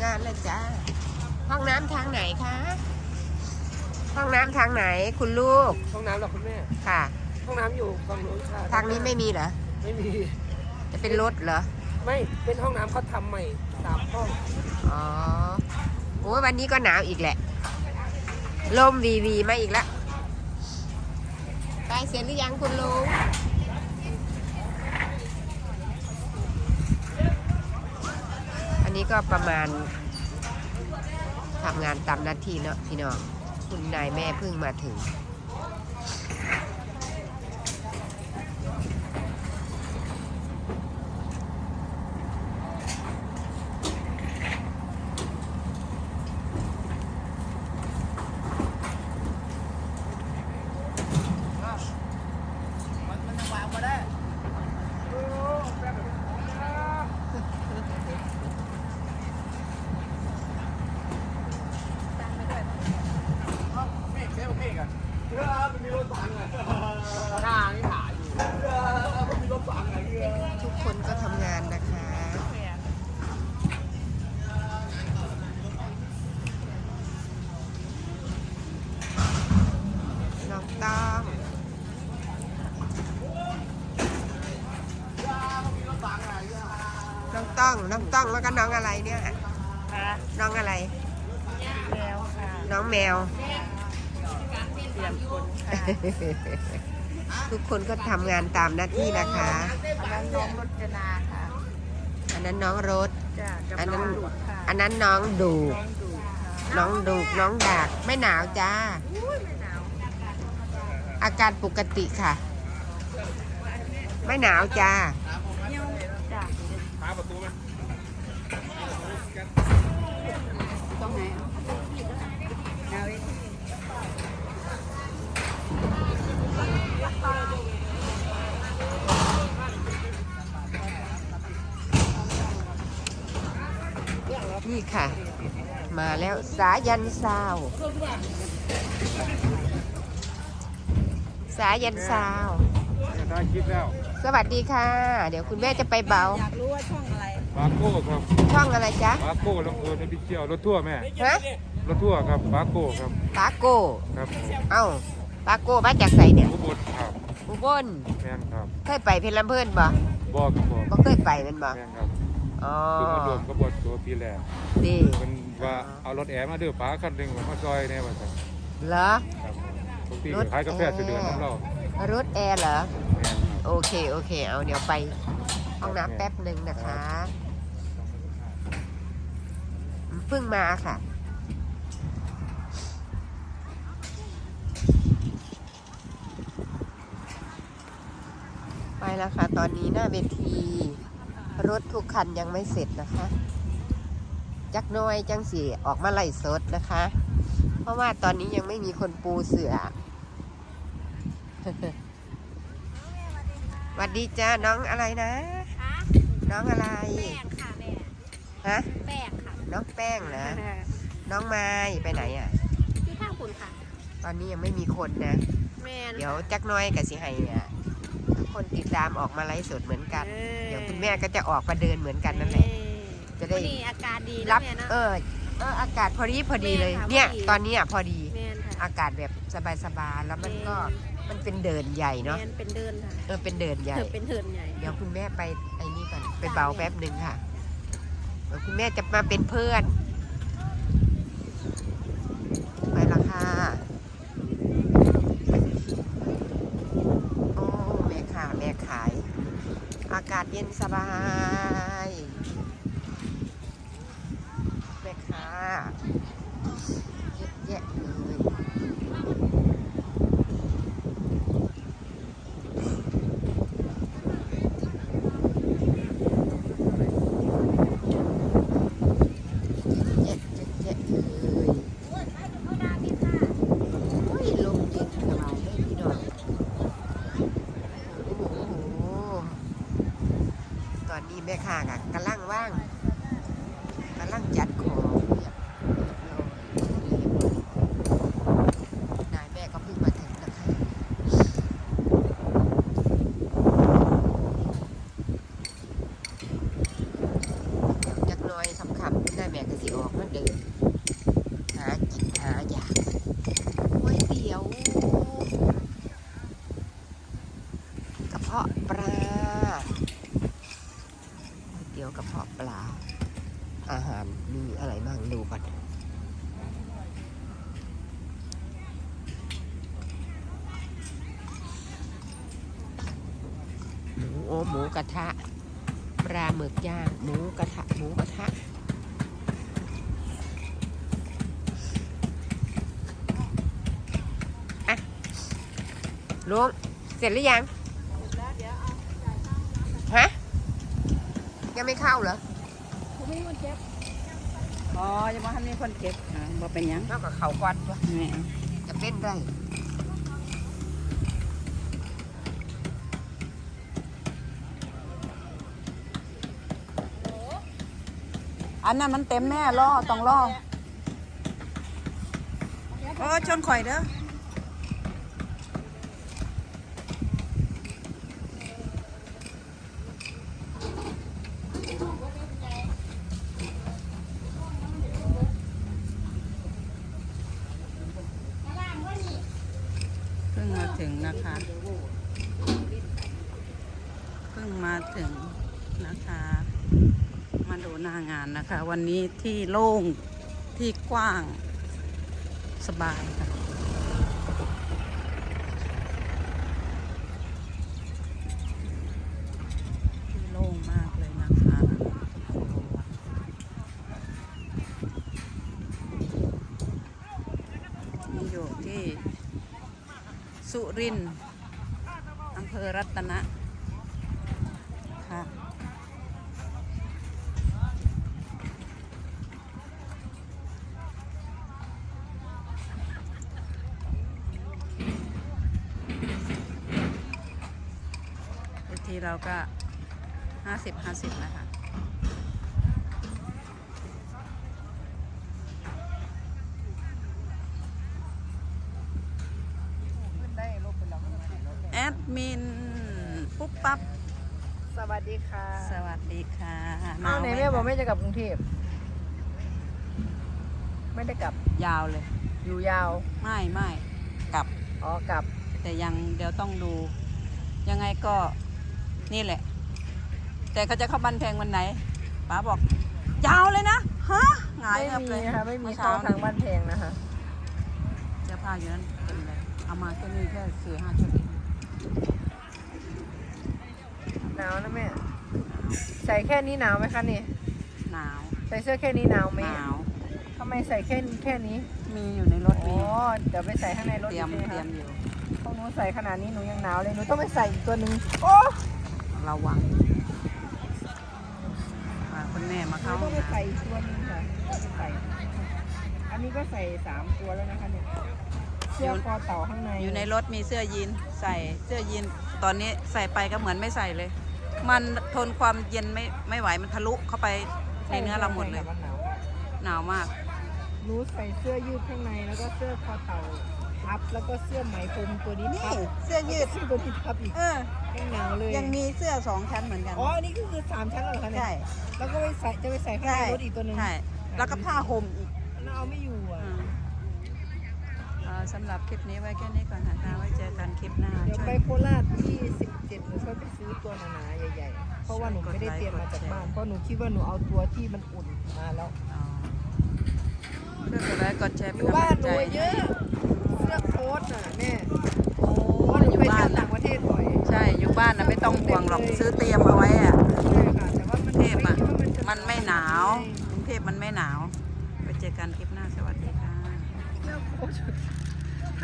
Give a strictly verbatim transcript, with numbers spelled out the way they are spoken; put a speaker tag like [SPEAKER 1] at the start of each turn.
[SPEAKER 1] งานเลยจ้าห้องน้ำทางไหนคะห้องน้ำทางไหนคุณลูก
[SPEAKER 2] ห้องน้ำหรอคุณแม่
[SPEAKER 1] ค่ะ
[SPEAKER 2] ห้องน้ำอยู่ฝั่งนู้นค่ะ
[SPEAKER 1] ทางนี้ไม่มีเหรอ
[SPEAKER 2] ไม่มี
[SPEAKER 1] จะเป็นรถเหรอ
[SPEAKER 2] ไม่เป็นห้องน้ำเขาทำใหม่สามห้อง
[SPEAKER 1] อ๋อโอ้วันนี้ก็หนาวอีกแหละลมวีวีมาอีกแล้วไปเสร็จหรือยังคุณลุงอันนี้ก็ประมาณทำงานตามหน้าที่เนาะพี่น้องคุณนายแม่เพิ่งมาถึงทุกคนก็ทำงานนะคะน้องต้องน้องต้องน้องต้องแล้วก็น้องอะไรเนี่ยน้องอะไร
[SPEAKER 3] แมวค่ะ
[SPEAKER 1] น้องแมว
[SPEAKER 3] เปลี่ยนคนค่ะ
[SPEAKER 1] ทุกคนก็ทำงานตามหน้าที่นะคะ
[SPEAKER 3] อันนั้นน้องรจนาค่ะ
[SPEAKER 1] อันนั้นน้องรถ
[SPEAKER 3] อันนั้น
[SPEAKER 1] อันนั้นน้องดูน้องดูน้องดากไม่หนาวจ้าอาการปกติค่ะไม่หนาวจ้า
[SPEAKER 3] ตรงไหน
[SPEAKER 1] นี่ค่ะมาแล้วสายันซาวสายันซาว
[SPEAKER 2] ได้คลิปแล้ว
[SPEAKER 1] สวัสดีค่ะเดี๋ยวคุณแม่จะไปเบา
[SPEAKER 3] อยากรู้ว่าช่องอะไร
[SPEAKER 2] ปาโก้ครับ
[SPEAKER 1] ช่องอะไรจ๊ะ
[SPEAKER 2] ปาโก้ลำเพลินอภิเชียวรถทั่วแม่
[SPEAKER 1] ฮะ
[SPEAKER 2] รถทั่วครับปาโก้ครับ
[SPEAKER 1] ปาโก้
[SPEAKER 2] ครับ
[SPEAKER 1] เอ้าปาโก้มาจากไสเนี่ย
[SPEAKER 2] อุบลครับ
[SPEAKER 1] อุบล
[SPEAKER 2] แม่นครับ
[SPEAKER 1] เคยไปเพชรลำเพลินบ่
[SPEAKER 2] บ่ครับบ่
[SPEAKER 1] บ่เคยไปเป็นบ่
[SPEAKER 2] แม่นครับ
[SPEAKER 1] อ๋อ
[SPEAKER 2] คือมาดวมกระบวนตัวปีแรก
[SPEAKER 1] ดี
[SPEAKER 2] มันว่าเอารถแอร์มาเดือป้าคันหนึ่งมาซอยเนี่ยว่าจะ
[SPEAKER 1] เหรอ
[SPEAKER 2] ปกติขายกาแฟเดือนน้ำเรา
[SPEAKER 1] รถแอร์เหรอโอเคโอเคเอาเดี๋ยวไปห้องน้ำแป๊บหนึ่งนะคะเพิ่งมาค่ะไปแล้วค่ะตอนนี้หน้าเวทีรถทุกคันยังไม่เสร็จนะคะจักน้อยจังสีออกมาไล่สดนะคะเพราะว่าตอนนี้ยังไม่มีคนปูเสือสวัสดีจ้าน้องอะไรนะน้องอะไร
[SPEAKER 3] แป้งค่ะแม่
[SPEAKER 1] ฮะ
[SPEAKER 3] แป้งค่ะ
[SPEAKER 1] น้องแป้งนะน้องไม้ไปไหนอ่ะ
[SPEAKER 3] ที่ข้างคุณค่ะ
[SPEAKER 1] ตอนนี้ยังไม่มีคนนะเดี๋ยวจักน้อยกับสิไฮอ่ะคนติดตามออกมาไลฟ์สดเหมือนกันเดี๋ยวคุณแม่ก็จะออกมาเดินเหมือนกันนั่นแหละจะได้
[SPEAKER 3] อากาศดี
[SPEAKER 1] รับเออเอออากาศพอดีพอดีเลยเนี่ยตอนนี้อ่ะพอดีอากาศแบบสบายๆแล้วมันก็มันเป็นเดินใหญ่เนาะ
[SPEAKER 3] เป็นเดินค่ะ
[SPEAKER 1] เออเป็นเดินใหญ่
[SPEAKER 3] เป็นเดินใหญ่
[SPEAKER 1] เดี๋ยวคุณแม่ไปไอ้นี่ก่อนไปเบาแป๊บหนึ่งค่ะเดี๋ยวคุณแม่จะมาเป็นเพื่อนไปละค่ะโอ้แม่ค่ะแม่ขายอากาศเย็นสบายแม่ค่ะเยอะแยะเลยแม่ค้าก็กำลังว่างกำลังจัดของนายแม่ก็เพิ่งมาถึงนะคะจักน้อยคำๆได้แม่ก็สิออกมาเดินหากินหาอยากก๋วยเตี๋ยวกระเพาะปลาก๋วยเตี๋ยวกระเพาะปลาอาหารมีอะไรบ้างดูก่อนหมูโอหมูกระทะปลาหมึกย่างหมูกระทะหมูกระทะอะลุงเสร็จหรือยังฮะยังไม่เข้าเหรอ
[SPEAKER 3] ผมไม่มีคนเก็บอ๋อจะมาทำนี่คนเก็บอ่าบ่เป็นหยัง
[SPEAKER 1] เท่ากับเขาควันวะ
[SPEAKER 3] แม่
[SPEAKER 1] จะเป็นได้
[SPEAKER 3] อันนั้นมันเต็มแม่ล่อต้องล่อโอ้ชนข่อยเด้อเพิ่งมาถึงนะคะเพิ่งมาถึงนะคะมาดูหน้างานนะคะ วันนี้ที่โล่งที่กว้างสบายค่ะที่โล่งมากเลยนะคะนี่อยู่ที่สุรินทร์อำเภอรัตนะค่ะทีเราก็ห้าสิบห้าสิบนะคะแอดมินปุ๊บปั๊บ
[SPEAKER 4] สวัสดีค่ะ
[SPEAKER 3] สวัสดีค่ะ
[SPEAKER 4] อ้าวไหนแม่บอกแม่จะกลับกรุงเทพไม่ได้กลับ
[SPEAKER 3] ยาวเลย
[SPEAKER 4] อยู่ยาว
[SPEAKER 3] ไม่ไม่กลับ
[SPEAKER 4] อ๋อกลับ
[SPEAKER 3] แต่ยังเดี๋ยวต้องดู ยังไงก็นี่แหละ แต่เขาจะเข้าบ้านแพงวันไหนป๋าบอก ยาวเลยนะฮะหงาย
[SPEAKER 4] ไม่
[SPEAKER 3] เงับ
[SPEAKER 4] มี
[SPEAKER 3] เลย
[SPEAKER 4] นะคะไม่มี
[SPEAKER 3] อ
[SPEAKER 4] เข้า
[SPEAKER 3] ช้
[SPEAKER 4] ทางบ้านแพงนะคะ
[SPEAKER 3] เสื้อผ้าอยู่นั้นเต็มเลยเอามาแค่นี้แค่สี่ห้าชุดเอง
[SPEAKER 4] หนาวนะแม่ใส่แค่นี้หนาวไหมคะนี่
[SPEAKER 3] หนาว
[SPEAKER 4] ใส่เสื้อแค่นี้หนาวไหม
[SPEAKER 3] หนาว
[SPEAKER 4] ทำไมใส่แค่แค่นี้
[SPEAKER 3] มีอยู่ในรถ
[SPEAKER 4] อ๋
[SPEAKER 3] มี
[SPEAKER 4] อเดี๋ยวไปใส่ข้างในรถ
[SPEAKER 3] เตรียม
[SPEAKER 4] ใช่ไห
[SPEAKER 3] เตรีย
[SPEAKER 4] คะ
[SPEAKER 3] มอยู่
[SPEAKER 4] พวกหนูใส่ขนาดนี้หนูยังหนาวเลยหนูต้องไปใส่อีกตัวหนึ่งโอ้
[SPEAKER 3] ระวังอ่าคุณแม่มา
[SPEAKER 4] หนู
[SPEAKER 3] เข้า
[SPEAKER 4] ต้องไป
[SPEAKER 3] ห้อง
[SPEAKER 4] ใส่
[SPEAKER 3] น้
[SPEAKER 4] อีกตัวหนึงค่ะต้องไปใส่อันนี้ก็ใส่สามตัวแล้วนะคะเนี่ยเสื้อคอเต่าข้างใน
[SPEAKER 3] ำอยู่ในรถมีเสื้อยีนใส่เสื้อยีนตอนนี้ใส่ไปก็เหมือนไม่ใส่เลย มันทนความเย็นไม่ไม่ไหวมันทะลุเข้าไปในเนื้อเราหมดเลย
[SPEAKER 4] ใช่ค่ะมันหนาว
[SPEAKER 3] หนาวมาก
[SPEAKER 4] หนูใส่เสื้อยืดข้างในแล้วก็เสื้อคอเต่าทับแล้วก็เสื้อไหมพรมตัวนี้ทับ
[SPEAKER 3] เสื้อยืด
[SPEAKER 4] เสื้อตัวนี้ทับอีก
[SPEAKER 3] เออ
[SPEAKER 4] ยังหนาวเลย
[SPEAKER 3] ยังมีเสื้อสองชั้นเหมือนกัน
[SPEAKER 4] อ๋ออันนี้ก็คือสามชั้นเหรอคะเนี่ย
[SPEAKER 3] ใช่
[SPEAKER 4] แล้วก็ไปใส่จะไปใส่ข้างในรถอีกตัวหนึ่ง
[SPEAKER 3] ใช่แล้วก็ผ้าห่มอีก
[SPEAKER 4] มันเอาไม่อยู่อ่ะ
[SPEAKER 3] อืมเอ่อสำหรับคลิปนี้ไว้แค่นี้ก่อนนะคะไว้เจอกันคลิปหน้า
[SPEAKER 4] เดี๋ยว
[SPEAKER 3] ช่ว
[SPEAKER 4] ไป
[SPEAKER 3] ย
[SPEAKER 4] โคราชที่สิบเจ็ดหนูช่วยไปซื้อตัวหนาๆใหญ่ๆเพราะว่าหนูไม่ได้เตรียมมาจากบ้านเพราะหนูคิดว่าหนูเอาตัวที่มันอุ่นมาแล้ว
[SPEAKER 3] อ๋อช่วยกดไลค์กดแชร์
[SPEAKER 4] อ
[SPEAKER 3] เป็น
[SPEAKER 4] ยู่
[SPEAKER 3] กำ
[SPEAKER 4] บ้า
[SPEAKER 3] ลั
[SPEAKER 4] น
[SPEAKER 3] ง
[SPEAKER 4] ห
[SPEAKER 3] ใจ
[SPEAKER 4] นูเยอะเสื้อโค้ทน่ะแม่
[SPEAKER 3] โอ้
[SPEAKER 4] เพราะว่าหนู
[SPEAKER 3] อยู่
[SPEAKER 4] ไป
[SPEAKER 3] บ้า
[SPEAKER 4] เที่ย
[SPEAKER 3] น
[SPEAKER 4] วต่างประเทศบ่อย
[SPEAKER 3] ใช่อยู่บ้านนะไม่ต้องห่วงหรอกซื้อเตรียมเอาไว้อะ
[SPEAKER 4] ใช่ค่ะแต่ว่ามัน
[SPEAKER 3] กรุงเทพอะ
[SPEAKER 4] ไคิดว่าจะ
[SPEAKER 3] มันไม่หนาวกรุงเทพมันไม่หนาวไปเจอกันคลิปหน้าสวัสดีค่ะ
[SPEAKER 4] เสื้อโค้ท